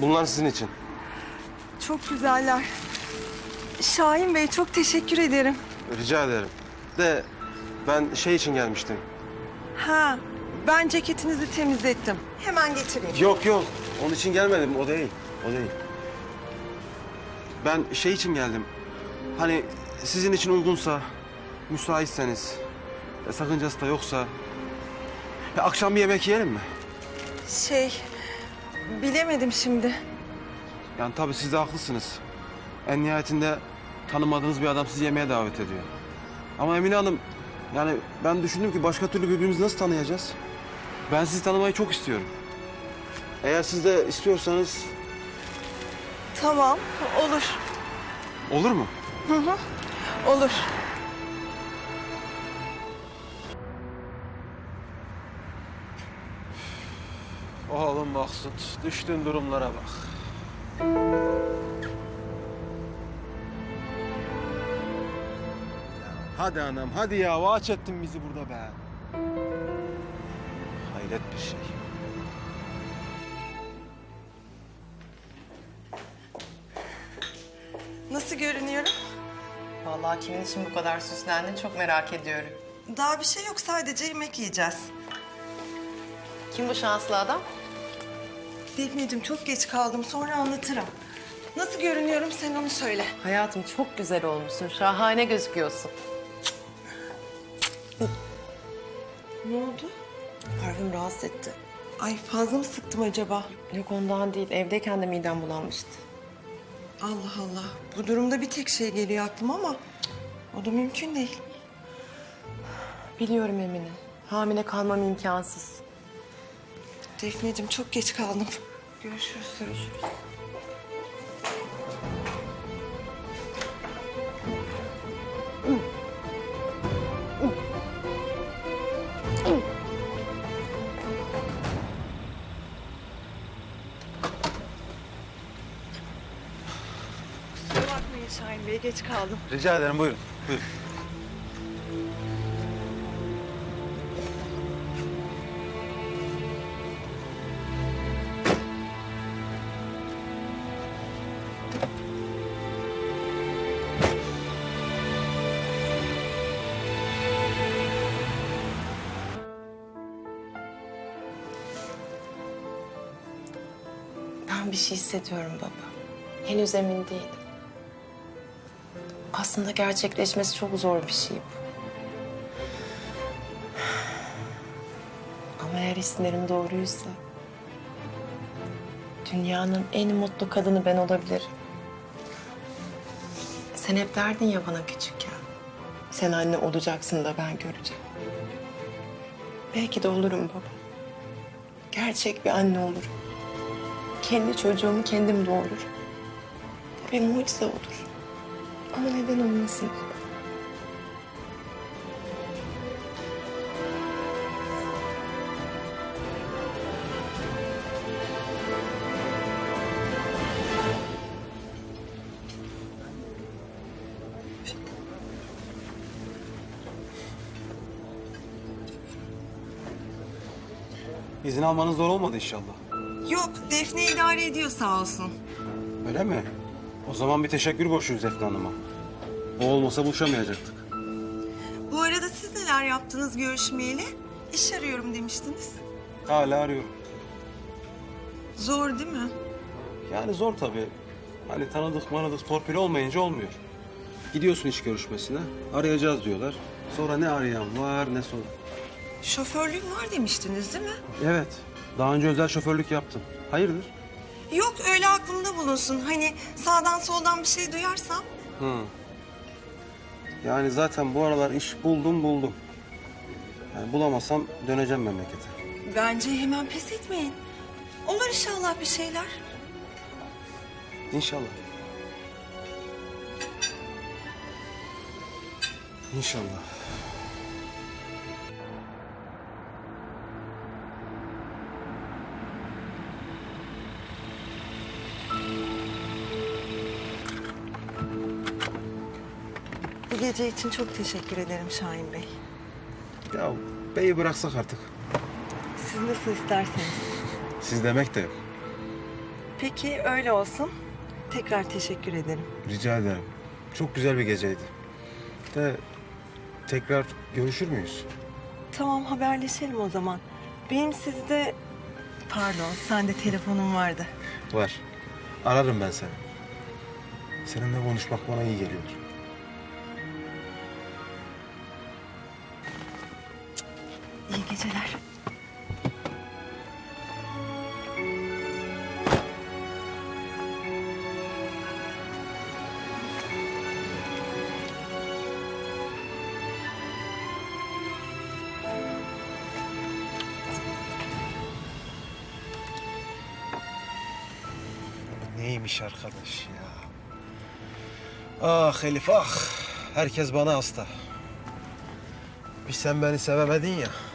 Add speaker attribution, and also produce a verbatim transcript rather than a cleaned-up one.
Speaker 1: Bunlar sizin için.
Speaker 2: Çok güzeller. Şahin Bey çok teşekkür ederim.
Speaker 1: Rica ederim. De ben şey için gelmiştim.
Speaker 2: Ha, ben ceketinizi temizlettim. Hemen getireyim.
Speaker 1: Yok yok. Onun için gelmedim. O değil. O değil. Ben şey için geldim. Hani sizin için uygunsa, müsaitseniz, e, sakıncası da yoksa... e, akşam bir yemek yiyelim mi?
Speaker 2: Şey, bilemedim şimdi.
Speaker 1: Yani tabii siz de haklısınız. En nihayetinde tanımadığınız bir adam sizi yemeğe davet ediyor. Ama Emine Hanım, yani ben düşündüm ki başka türlü birbirimizi nasıl tanıyacağız? Ben sizi tanımayı çok istiyorum. Eğer siz de istiyorsanız...
Speaker 2: Tamam, olur.
Speaker 1: Olur mu?
Speaker 2: Hı hı, olur.
Speaker 1: Oğlum Maksut, düştüğün durumlara bak. Hadi anam, hadi ya. Vaç ettin bizi burada be. Hayret bir şey.
Speaker 2: Nasıl görünüyorum?
Speaker 3: Vallahi kimin için bu kadar süslendin çok merak ediyorum.
Speaker 2: Daha bir şey yok, sadece yemek yiyeceğiz.
Speaker 3: Kim bu şanslı adam?
Speaker 2: Defneciğim çok geç kaldım, sonra anlatırım. Nasıl görünüyorum sen onu söyle.
Speaker 3: Hayatım çok güzel olmuşsun. Şahane gözüküyorsun.
Speaker 2: Ne oldu?
Speaker 3: Parfüm rahatsız etti.
Speaker 2: Ay fazla mı sıktım acaba?
Speaker 3: Yok ondan değil. Evdeyken de midem bulanmıştı.
Speaker 2: Allah Allah. Bu durumda bir tek şey geliyor aklıma ama cık, o da mümkün değil.
Speaker 3: Biliyorum Emine. Hamile kalmam imkansız.
Speaker 2: Defneciğim çok geç kaldım. Görüşürüz.
Speaker 3: Görüşürüz.
Speaker 2: Kusura bakmayın Şahin Bey, geç kaldım.
Speaker 1: Rica ederim, buyurun. Buyurun.
Speaker 3: Ben bir şey hissediyorum baba. Henüz emin değilim. Aslında gerçekleşmesi çok zor bir şey bu. Ama eğer hislerim doğruysa... dünyanın en mutlu kadını ben olabilirim. Sen hep derdin ya bana küçükken. Sen anne olacaksın da ben göreceğim. Belki de olurum baba. Gerçek bir anne olurum. Kendi çocuğumu kendim doğururum. Bu bir mucize olur. Ama neden olmasın?
Speaker 1: İzin almanız zor olmadı inşallah.
Speaker 2: Yok, Defne idare ediyor sağ olsun.
Speaker 1: Öyle mi? O zaman bir teşekkür borçluyuz Efna Hanım'a. O olmasa buluşamayacaktık.
Speaker 2: Bu arada siz neler yaptınız görüşmeyeli? İş arıyorum demiştiniz.
Speaker 1: Hala arıyorum.
Speaker 2: Zor değil mi?
Speaker 1: Yani zor tabii. Hani tanıdık manadık torpil olmayınca olmuyor. Gidiyorsun iş görüşmesine, arayacağız diyorlar. Sonra ne arayan var ne soran.
Speaker 2: Şoförlüğüm var demiştiniz değil mi?
Speaker 1: Evet, daha önce özel şoförlük yaptım. Hayırdır?
Speaker 2: Yok, öyle aklımda bulunsun. Hani sağdan soldan bir şey duyarsam.
Speaker 1: Hı. Yani zaten bu aralar iş buldum buldum. Yani bulamazsam döneceğim memlekete.
Speaker 2: Bence hemen pes etmeyin. Olur inşallah bir şeyler.
Speaker 1: İnşallah. İnşallah.
Speaker 2: Bu gece için çok teşekkür ederim Şahin Bey.
Speaker 1: Ya beyi bıraksak artık.
Speaker 2: Siz nasıl isterseniz.
Speaker 1: Siz demek de yok.
Speaker 2: Peki öyle olsun. Tekrar teşekkür ederim.
Speaker 1: Rica ederim. Çok güzel bir geceydi. De tekrar görüşür müyüz?
Speaker 2: Tamam, haberleşelim o zaman. Benim sizde... Pardon, sende telefonum vardı.
Speaker 1: Var. Ararım ben seni. Seninle konuşmak bana iyi geliyor.
Speaker 2: İyi geceler.
Speaker 1: Neymiş arkadaş ya? Ah Elif ah. Herkes bana hasta. Bir sen beni sevemedin ya.